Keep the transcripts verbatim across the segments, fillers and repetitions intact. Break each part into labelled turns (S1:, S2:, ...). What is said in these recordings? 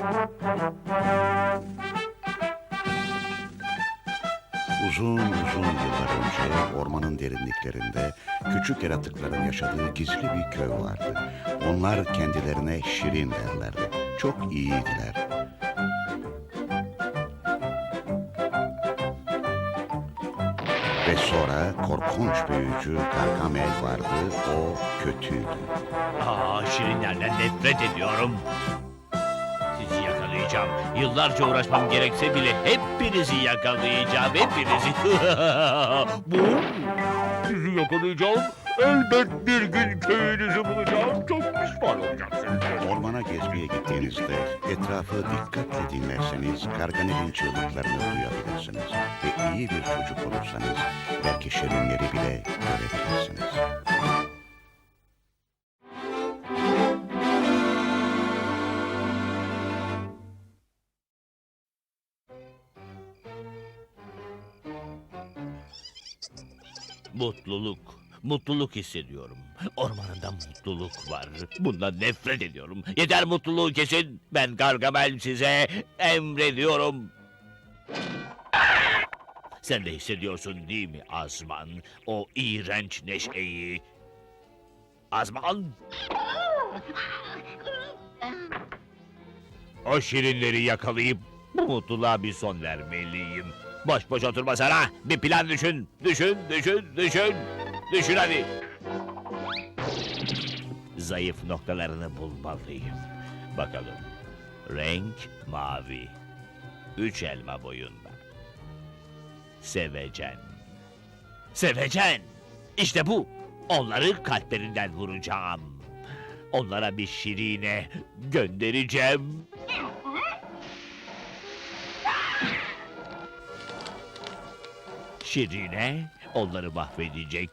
S1: Uzun uzun yıllar önce ormanın derinliklerinde küçük yaratıkların yaşadığı gizli bir köy vardı. Onlar kendilerine Şirin derlerdi. Çok iyiydiler. Ve sonra korkunç büyücü Gargamel vardı. O kötüydü.
S2: Aa, şirinlerden nefret ediyorum. Sizi yakalayacağım. Yıllarca uğraşmam gerekse bile hepinizi yakalayacağım. Hepinizi. Bu? Sizi yakalayacağım. Elbet bir gün köyünüzü bulacağım. Çok pişman olacaksınız.
S1: Ormana gezmeye gittiğinizde etrafı dikkatle dinlerseniz Gargamel'in çığlıklarını duyabilirsiniz. Ve iyi bir çocuk olursanız belki şirinleri bile görebilirsiniz.
S2: Mutluluk. Mutluluk hissediyorum. Ormanında mutluluk var. Bundan nefret ediyorum. Yeter, mutluluğu kesin. Ben Gargamel size emrediyorum. Sen de hissediyorsun değil mi Azman? O iğrenç neşeyi. Azman! O şirinleri yakalayıp bu mutluluğa bir son vermeliyim. Boş boş oturma sana. Bir plan düşün. Düşün, düşün, düşün. Düşün hadi. Zayıf noktalarını bulmalıyım. Bakalım. Renk mavi. Üç elma boyunda. Sevecen. Sevecen! İşte bu. Onları kalplerinden vuracağım. Onlara bir şirine göndereceğim. Şirine onları mahvedecek.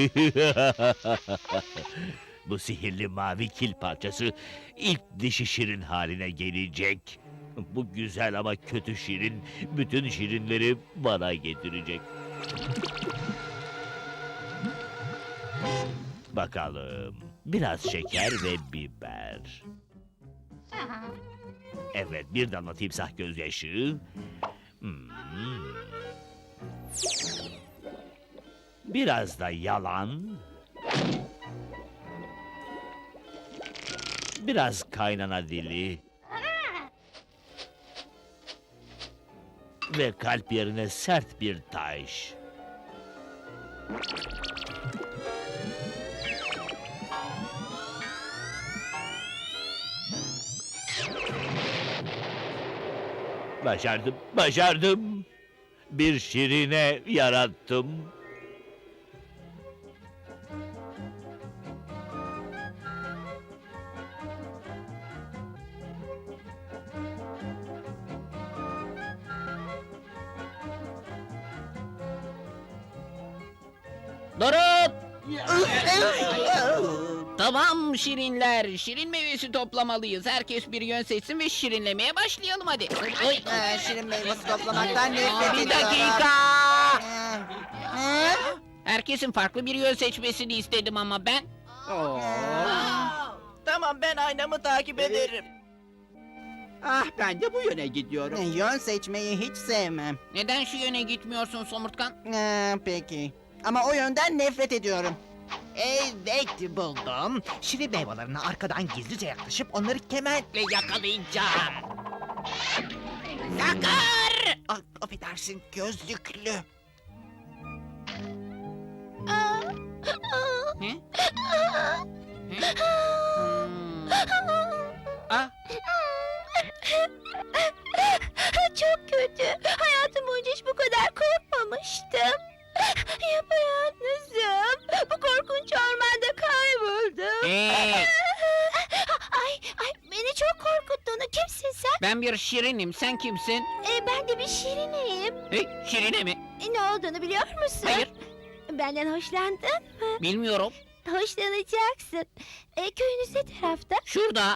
S2: Bu sihirli mavi kil parçası ilk dişi şirin haline gelecek. Bu güzel ama kötü şirin bütün şirinleri bana getirecek. Bakalım. Biraz şeker ve biber. Evet, bir damla timsah gözyaşı. Hmm. Biraz da yalan. Biraz kaynana dili. Ve kalp yerine sert bir taş. Başardım, başardım. Bir şirine yarattım.
S3: Durun! Tamam şirinler, şirin meyvesi toplamalıyız. Herkes bir yön seçsin ve şirinlemeye başlayalım hadi. Oy.
S4: Ee, şirin meyvesi toplamaktan nefret
S3: Aa, bir
S4: ediyorum.
S3: dakika!
S4: Ee,
S3: Herkesin farklı bir yön seçmesini istedim ama ben.
S5: Tamam, ben aynamı takip ederim.
S6: Ah, ben de bu yöne gidiyorum.
S4: e, Yön seçmeyi hiç sevmem.
S3: Neden şu yöne gitmiyorsun Somurtkan?
S4: Ee, peki. Ama o yönden nefret ediyorum.
S5: Evet, buldum. Şirin meyvelerine arkadan gizlice yaklaşıp onları kementle yakalayacağım. Sakar! Ah, affedersin, gözlüklü.
S3: Ne? Ne? Hmm. Ah,
S7: Çok kötü. Hayatım boyunca hiç bu kadar korkmamıştım. Yapayalnızım. Bu korkunç ormanda kayboldum.
S3: ee,
S7: Ay, ay beni çok korkuttun. Kimsin sen?
S3: ben bir şirinim, sen kimsin?
S7: Ee, ben de bir şirineyim.
S3: Hey, şirine mi?
S7: E, ne olduğunu biliyor musun?
S3: Hayır,
S7: Benden hoşlandın mı?
S3: bilmiyorum.
S7: Hoşlanacaksın. E, köyünüz ne tarafta?
S3: Şurada.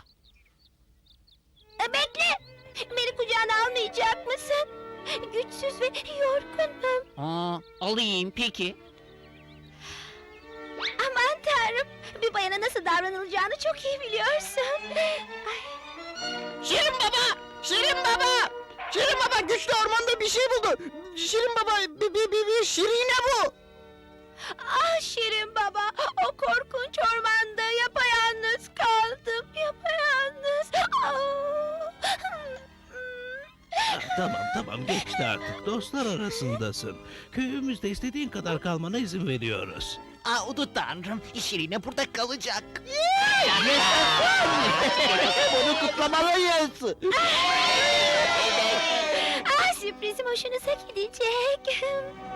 S7: E, bekle. Beni kucağına almayacak mısın? Güçsüz ve yorgunum.
S3: Aa, alayım peki.
S7: Aman tanrım. Bir bayana nasıl davranılacağını çok iyi biliyorsun. Ay.
S3: Şirin baba!
S4: Şirin baba! Şirin baba güçlü ormanda bir şey buldu. Şirin baba bir, bir, bir, bir şirine bu.
S7: Ah Şirin baba, o korkunç ormanda yapayalnız kaldım. Yapayalnız. Ah.
S8: Ah, tamam tamam geçti artık. Dostlar arasındasın. Köyümüzde istediğin kadar kalmana izin veriyoruz.
S5: Aa Udu Tanrım, Şirine burada kalacak.
S4: Bunu kutlamalıyız.
S7: Ah, sürprizim hoşunuza gidecek.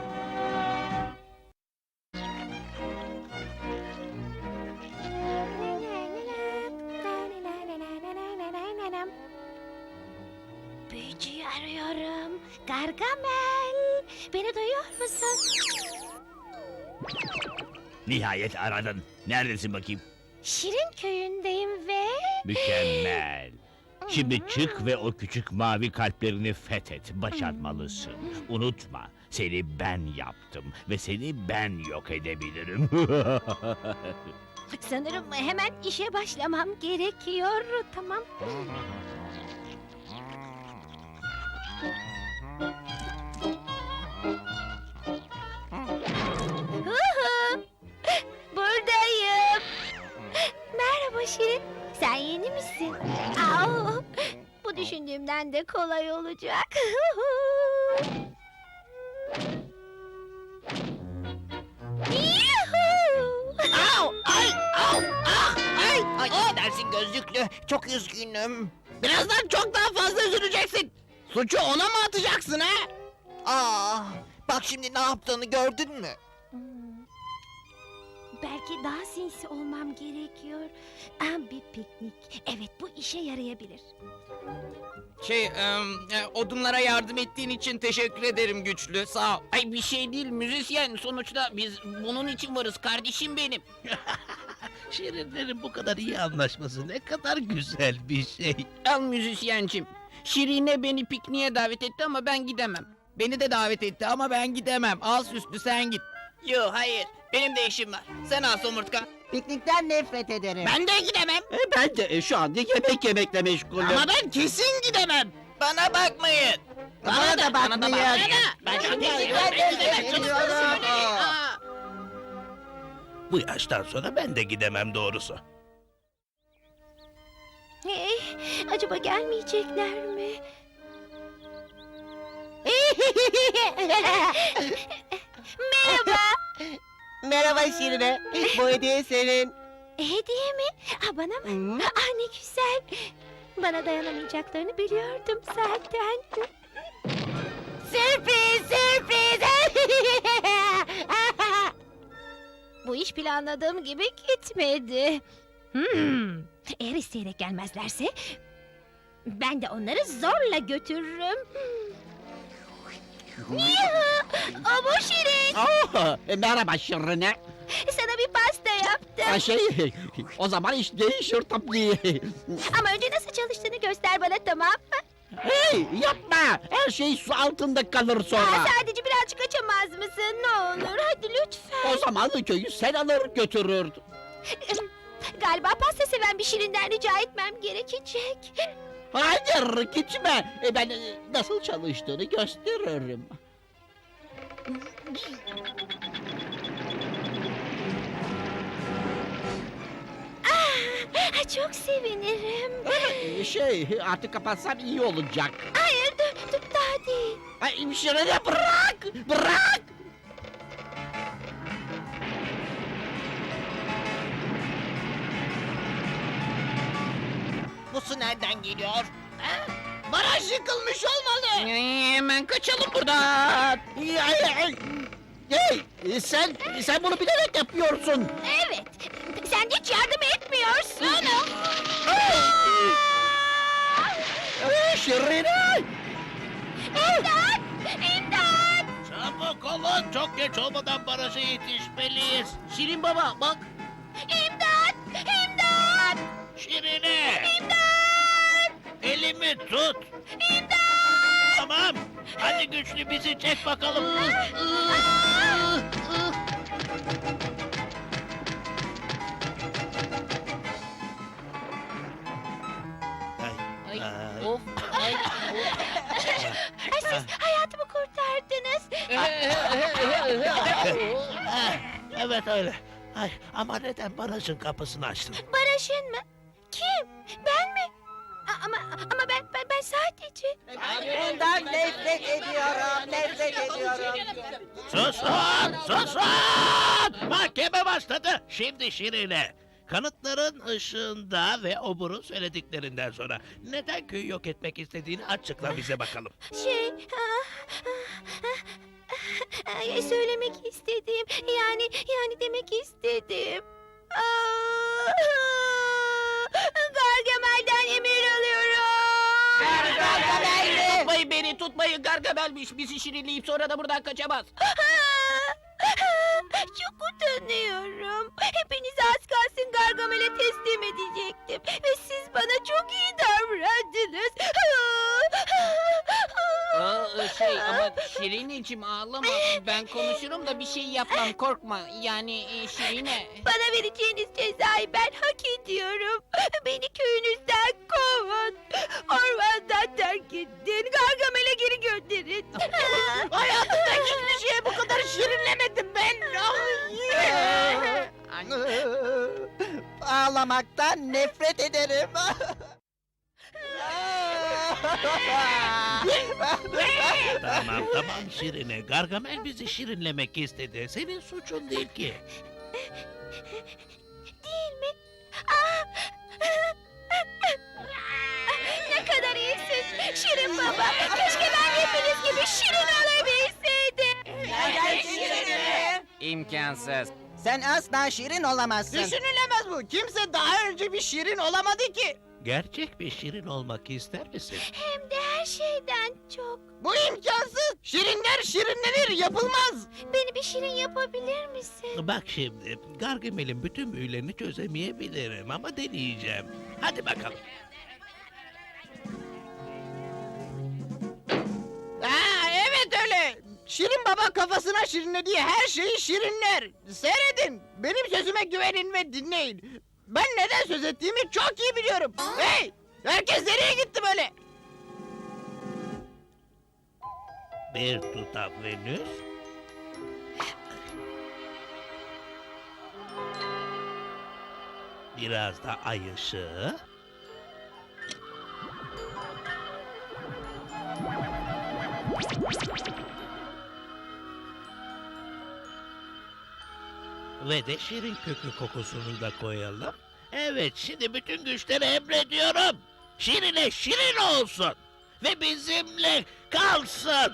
S7: Büyücüyü arıyorum. Gargamel, beni duyuyor musun?
S2: Nihayet aradın. Neredesin bakayım?
S7: Şirin köyündeyim ve...
S2: Mükemmel. Şimdi çık ve o küçük mavi kalplerini fethet. Başarmalısın. Unutma, seni ben yaptım ve seni ben yok edebilirim.
S7: Sanırım hemen işe başlamam gerekiyor. Tamam. Huhu! Buradayım. Merhaba Şirin. Sen yeni misin? Au! Bu düşündüğümden de kolay olacak. Yuhuu!
S5: Au, ay, au, ah, ay, ay, affedersin gözlüklü. Çok üzgünüm.
S4: Birazdan çok daha fazla üzüleceksin. Suçu ona mı atacaksın ha?
S5: Aa, bak şimdi ne yaptığını gördün mü?
S7: Hmm. Belki daha sinsi olmam gerekiyor. Ah, bir piknik. Evet, bu işe yarayabilir.
S6: Şey, em, e, odunlara yardım ettiğin için teşekkür ederim güçlü. Sağ ol.
S3: Ay bir şey değil müzisyen. Sonuçta biz bunun için varız kardeşim benim.
S8: Şirinlerin bu kadar iyi anlaşması ne kadar güzel bir şey.
S3: Al müzisyencim. Şirine beni pikniğe davet etti ama ben gidemem.
S6: Beni de davet etti ama ben gidemem. Al süslü sen git.
S3: Yo hayır. Benim de işim var. Sen al somurtkan.
S4: Piknikten nefret ederim.
S3: Ben de gidemem.
S6: E, ben de e, şu anda yemek yemekle meşgulüm.
S3: Ama ben kesin gidemem. Bana bakmayın.
S4: Bana da
S3: Bana da
S4: bakmayın.
S3: bak. Ben şimdi
S4: Ben de
S3: gidemem. Ben gidemem.
S4: gidemiyorum.
S3: Çabuk söyleyin. Aa.
S8: Bu yaştan sonra ben de gidemem doğrusu.
S7: Hey, acaba gelmeyecekler mi? Merhaba.
S4: Merhaba Şirine. Bu hediye senin.
S7: Hediye mi? Ha, bana mı? Ah, ne güzel. Bana dayanamayacaklarını biliyordum zaten. Sürpriz, sürpriz. Bu iş planladığım gibi gitmedi. Hmm. Eğer isteyerek gelmezlerse ben de onları zorla götürürüm. Yuhu! O bu Şirin.
S6: Oh, e, merhaba Şirine.
S7: Sana bir pasta yaptım.
S6: Ha, şey, o zaman iş değişir tabii.
S7: Ama önce nasıl çalıştığını göster bana, tamam mı?
S6: Hey, yapma. Her şey su altında kalır sonra.
S7: Aa, sadece birazcık açamaz mısın? Ne olur hadi lütfen.
S6: O zaman köyü sen alır götürürdün.
S7: Galiba pasta seven bir Şirinden rica etmem gerekecek.
S6: Hayır gitme. E, ben e, nasıl çalıştığını gösteririm.
S7: Ah, çok sevinirim.
S6: E, Şey artık kapatsam iyi olacak.
S7: Hayır dur, dur daha değil.
S6: Ay Şirine bırak. Bırak.
S5: Bu su nereden geliyor?
S3: Baraj yıkılmış olmalı. Hemen kaçalım buradan.
S6: Ay, ay, ay. Hey, e, sen sen bunu bilerek yapıyorsun.
S7: Evet, sen hiç yardım etmiyorsun.
S6: Ay, Şirine.
S7: İmdat! İmdat!
S8: Çabuk olun, çok geç olmadan baraja yetişmeliyiz.
S3: Şirin baba bak.
S7: İmdat! İmdat!
S8: Şirine,
S7: İmdat!
S8: elimi tut.
S7: İmdat!
S8: Tamam, hadi güçlü bizi çek bakalım. Ay,
S3: Ay,
S8: Ay.
S3: of, ay,
S7: Ay, siz hayatımı kurtardınız.
S8: Ah, evet öyle. Ay, ama neden barajın kapısını açtın?
S7: Barajın mı? Kim? Ben mi? A- Ama ama ben ben, ben sadece...
S4: Bundan nefret ediyorum, nefret ediyorum.
S8: Susun! Susun! Mahkeme başladı. Şimdi Şirine. Kanıtların ışığında ve oburun söylediklerinden sonra neden köyü yok etmek istediğini açıkla bize bakalım.
S7: Şey... ah, ah, ah, ay, söylemek istediğim... Yani yani demek istedim. Ah, Gargamel'den emir alıyorum.
S3: Gargamel mi? Tutmayın beni, tutmayın. Gargamel'miş. Bizi şirinleyip sonra da buradan kaçamaz.
S7: Çok utanıyorum. Hepinizi az kalsın Gargamel'e teslim edecektim. Ve siz bana çok iyi davrandınız.
S3: Aa, şey ama Şirineciğim ağlama. Ben konuşurum da bir şey yapmam, korkma. Yani e, Şirine.
S7: Bana vereceğiniz cezayı ben hak ediyorum. Beni köyünüzden kovun. Ormandan terk edin. Gargamel'e geri gönderin.
S4: Hayatımda hiçbir şeye bu kadar şirinlemedim ben. Ağlamaktan nefret ederim.
S8: Tamam tamam Şirine. Gargamel bizi şirinlemek istedi. Senin suçun değil ki.
S7: Değil mi? Aa! Ne kadar iyisin Şirin baba. Keşke ben hepiniz gibi şirin olabilseydim.
S4: Neden şirinim?
S6: İmkansız.
S4: Sen asla şirin olamazsın. Düşünülemez bu. Kimse daha önce bir şirin olamadı ki.
S8: Gerçek bir şirin olmak ister misin?
S7: Hem de her şeyden çok.
S4: Bu imkansız. Şirinler şirinlenir, yapılmaz.
S7: Beni bir şirin yapabilir misin?
S8: Bak şimdi, Gargamel'in bütün büyülerini çözemeyebilirim ama deneyeceğim. Hadi bakalım.
S4: Ha, evet öyle. Şirin baba kafasına şirinlediği her şeyi şirinler. Seyredin. Benim sözüme güvenin ve dinleyin. Ben neden söz ettiğimi çok iyi biliyorum. Hey! Herkes nereye gitti böyle?
S8: Bir tutam Venüs. Biraz da ay ışığı. Ve de şirin kökü kokusunu da koyalım. Evet, şimdi bütün güçleri emrediyorum. Şirine şirin olsun. Ve bizimle kalsın.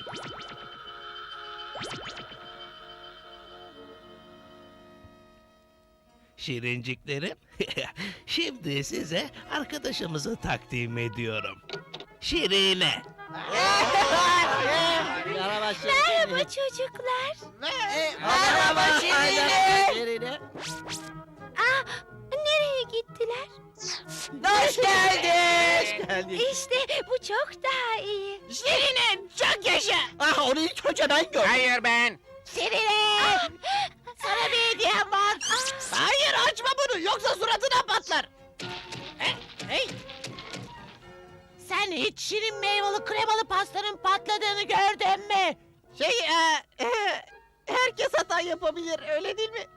S8: Şirinciklerim, şimdi size arkadaşımızı takdim ediyorum. Şirine.
S7: Merhaba çocuklar.
S4: Merhaba Şirine.
S7: Aa, nereye gittiler?
S4: Hoş geldin.
S7: İşte bu çok daha iyi.
S4: Şirine çok yaşa. Ah onu ilk hocadan gör.
S6: Hayır ben.
S7: Şirine!
S4: Sana bir hediyem var. Hayır açma bunu yoksa suratına patlar. Hey, hey.
S5: Sen hiç şirin meyveli kremalı pastanın patladığını gördün mü?
S4: Şey e, e, herkes hata yapabilir öyle değil mi?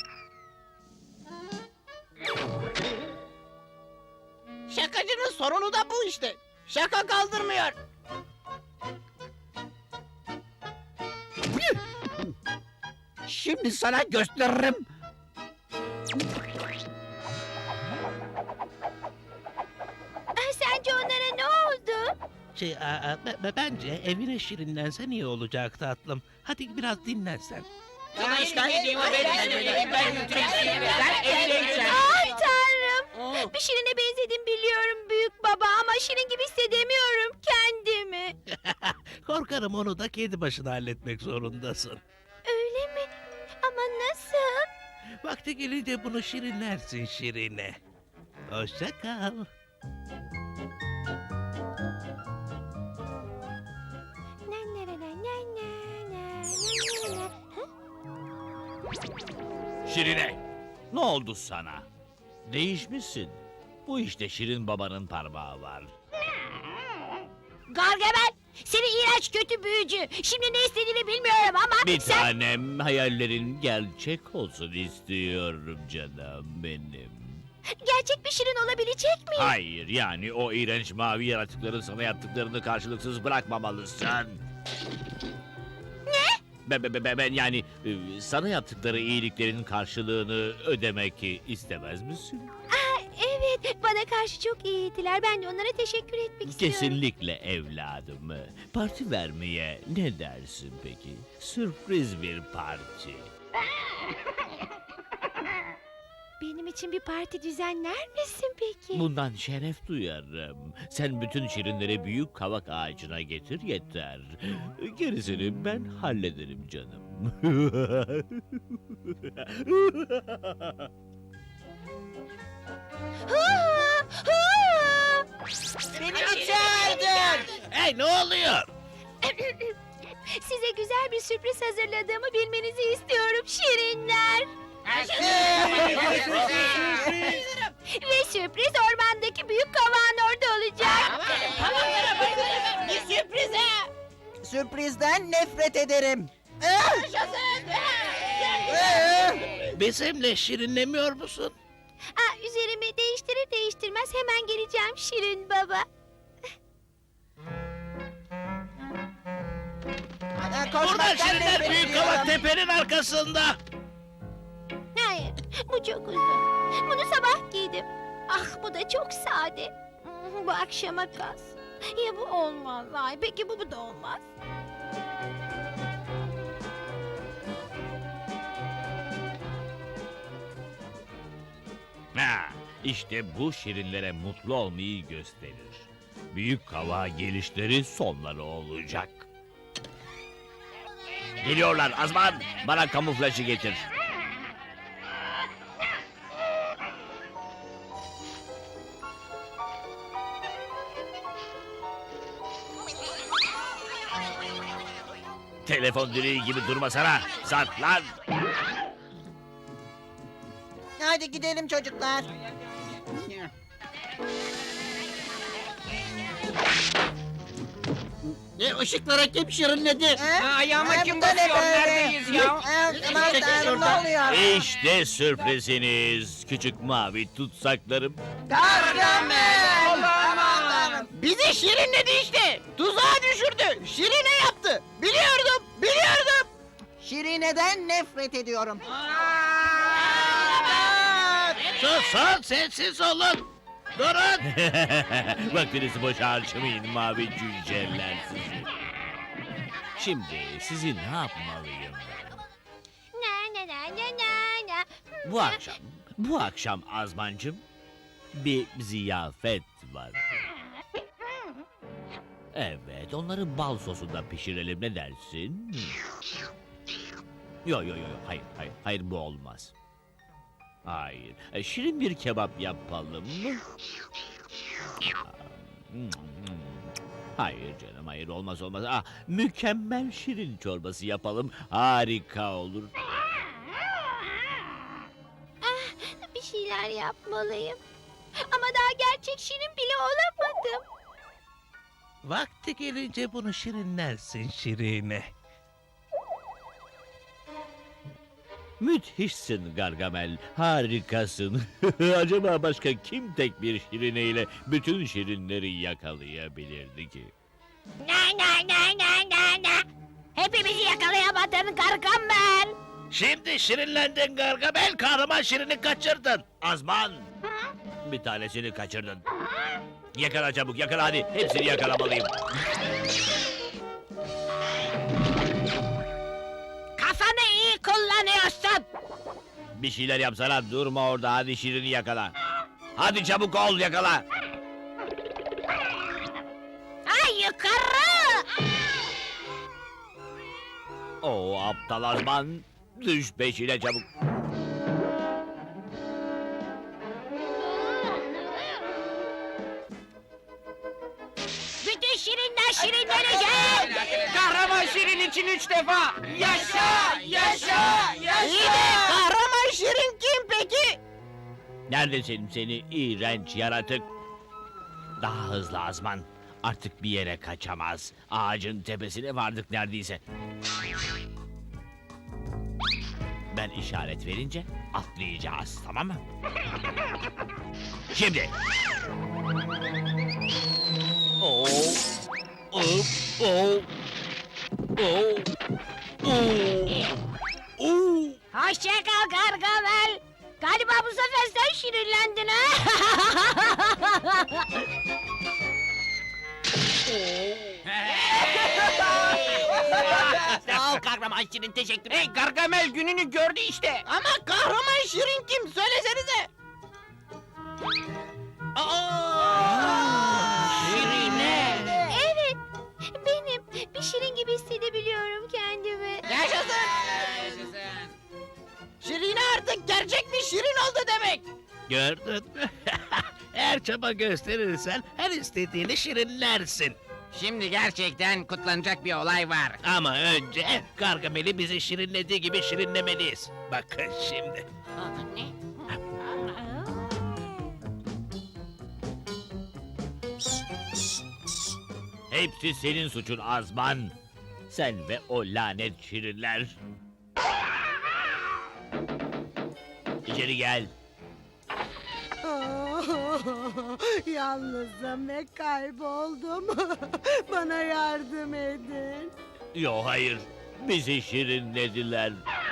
S4: Şakacının sorunu da bu işte. Şaka kaldırmıyor. Şimdi sana gösteririm.
S7: Ah, sence onlara ne oldu?
S8: Şey, a, a, be- be- bence evine şirinlensen iyi olacak tatlım. Hadi biraz dinlensen.
S3: Sana işgal edeyim o benim. Ben götüreyim seni. Sen evine git sen.
S7: Ay tanrım.
S3: Oo.
S7: Bir şirine benzedim biliyorum büyük baba ama şirin gibi hissedemiyorum kendimi.
S8: Korkarım onu da kedi başına halletmek zorundasın.
S7: Öyle mi? Ama nasıl?
S8: Vakti gelince bunu şirinlersin Şirine. Hoşça kal.
S7: Na na na na na na na na na. Hı?
S2: Şirine, ne oldu sana? Değişmişsin. Bu işte Şirin babanın parmağı var.
S7: Gargamel, seni iğrenç kötü büyücü. Şimdi ne istediğini bilmiyorum ama
S2: Bir
S7: sen...
S2: tanem hayallerin gerçek olsun istiyorum canım benim.
S7: Gerçek bir şirin olabilecek miyim?
S2: Hayır yani o iğrenç mavi yaratıkların sana yaptıklarını karşılıksız bırakmamalısın.
S7: Ne?
S2: Ben, ben, ben, ben yani e, sana yaptıkları iyiliklerin karşılığını ödemek istemez misin?
S7: Aa, evet, bana karşı çok iyiydiler. Ben de onlara teşekkür etmek istiyorum.
S2: Kesinlikle evladım. Parti vermeye ne dersin peki? Sürpriz bir parti.
S7: Benim için bir parti düzenler misin peki?
S2: Bundan şeref duyarım. Sen bütün şirinleri büyük kavak ağacına getir yeter. Gerisini ben hallederim canım.
S7: Hua, hua!
S4: Beni mi çağırdın?
S8: Hey ne oluyor?
S7: Size güzel bir sürpriz hazırladığımı bilmenizi istiyorum şirinler. Ve sürpriz ormandaki büyük kavağın orada olacak.
S4: Bir sürprize. Sürprizden nefret ederim.
S8: Bizimle şirinlemiyor musun?
S7: Aa, üzerimi değiştirir değiştirmez hemen geleceğim Şirin Baba.
S8: Burada şirinler büyük kavak tepenin arkasında.
S7: Hayır, bu çok uzun. Bunu sabah giydim. Ah, bu da çok sade. Hmm, Bu akşama kas. Ya bu olmaz. Ay, peki bu, bu da olmaz.
S2: Ha, işte bu şirinlere mutlu olmayı gösterir. Büyük kavağa gelişleri sonları olacak. Geliyorlar Azman, bana kamuflajı getir. Telefon direği gibi durmasana, saklan.
S4: Hadi gidelim çocuklar.
S3: Ne ışıklara kim şirinledi?
S4: Ha,
S3: ayağıma kim
S4: bu da ne
S3: basıyor?
S4: böyle?
S3: Neredeyiz ya?
S4: Ha, aman
S3: Çekil
S4: tanrım,
S3: şuradan.
S4: ne oluyor?
S2: İşte sürpriziniz, küçük mavi tutsaklarım.
S4: Gargamel!
S3: Aman
S4: Tanrım. Bizi şirinledi işte. Tuzağa düşürdü. Şirine yaptı. Biliyordum, biliyordum. Şirine'den nefret ediyorum.
S8: Susun sessiz olun. Durun.
S2: Vaktinizi boşa harcamayın mavi cüceler sizi. Şimdi sizi ne yapmalıyım ben?
S7: Na na na na na na.
S2: Bu akşam, bu akşam Azmancım bir ziyafet var. Evet, onları bal sosunda pişirelim ne dersin? Yo yo yo, yo, hayır hayır hayır bu olmaz. Hayır, e, şirin bir kebap yapalım mı? Hayır canım, hayır olmaz olmaz. Ah, mükemmel şirin çorbası yapalım, harika olur.
S7: Bir şeyler yapmalıyım. Ama daha gerçek şirin bile olamadım.
S8: Vakti gelince bunu şirinlersin Şirine.
S2: Müthişsin Gargamel, harikasın. Acaba başka kim tek bir şirineyle bütün şirinleri yakalayabilirdi ki?
S7: Na na na na na na. Hepimizi yakalayamadın Gargamel.
S8: Şimdi şirinlendin Gargamel, kahraman Şirin'i kaçırdın.
S2: Azman! Bir tanesini kaçırdın. Yakala çabuk, yakala hadi. Hepsini yakalamalıyım.
S7: Kafanı iyi kullanıyorsun.
S2: Bir şeyler yapsana, durma orada. Hadi şirini yakala. Hadi çabuk ol, yakala.
S7: Ay yukarı.
S2: Oo aptal Azman. Düş peşine çabuk.
S7: Bütün şirinler şirinlenecek.
S3: Kahraman şirin için üç defa. Yaşa! Yaşa!
S4: İyi de kahraman şirin kim peki?
S2: Neredesin seni iğrenç yaratık? Daha hızlı Azman. Artık bir yere kaçamaz. Ağacın tepesine vardık neredeyse. Ben işaret verince atlayacağız, tamam mı? Şimdi. Oo. Hop. Oo. Oo. Oo. Oo.
S7: Hoşça kal Gargamel. Galiba bu sefer sen şirinlendin ha?
S5: Sağ ol kahraman Şirin, teşekkür ederim.
S3: Hey Gargamel gününü gördü işte.
S4: Ama kahraman Şirin kim? Söylesenize.
S3: Şirine.
S7: Evet. Benim. Bir şirin gibi hissedebiliyorum kendimi.
S4: Yaşasın. Şirine artık gerçek bir Şirin oldu demek.
S8: Gördün mü? Eğer çaba gösterirsen her istediğini şirinlersin.
S3: Şimdi gerçekten kutlanacak bir olay var.
S8: Ama önce Gargamel'i bizi şirinlediği gibi şirinlemeliyiz. Bakın şimdi.
S2: Hepsi senin suçun Azman. Sen ve o lanet şirinler. İçeri gel.
S9: Yalnızım ve kayboldum. Bana yardım edin.
S2: Yo hayır. Bizi şirinlediler.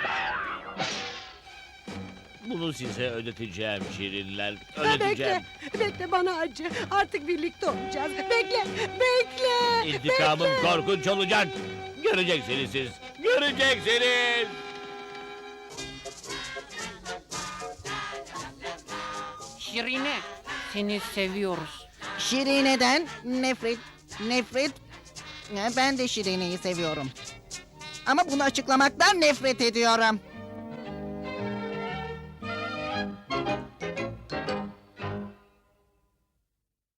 S2: Bunu size ödeteceğim şirinler. Ödeteceğim.
S9: Bekle, bekle bana acı. Artık birlikte olacağız. Bekle, bekle.
S2: İntikamım
S9: bekle.
S2: korkunç olacak. Göreceksiniz siz. Göreceksiniz.
S3: Şirine, seni seviyoruz.
S4: Şirine'den nefret, nefret. Ben de Şirine'yi seviyorum. Ama bunu açıklamaktan nefret ediyorum.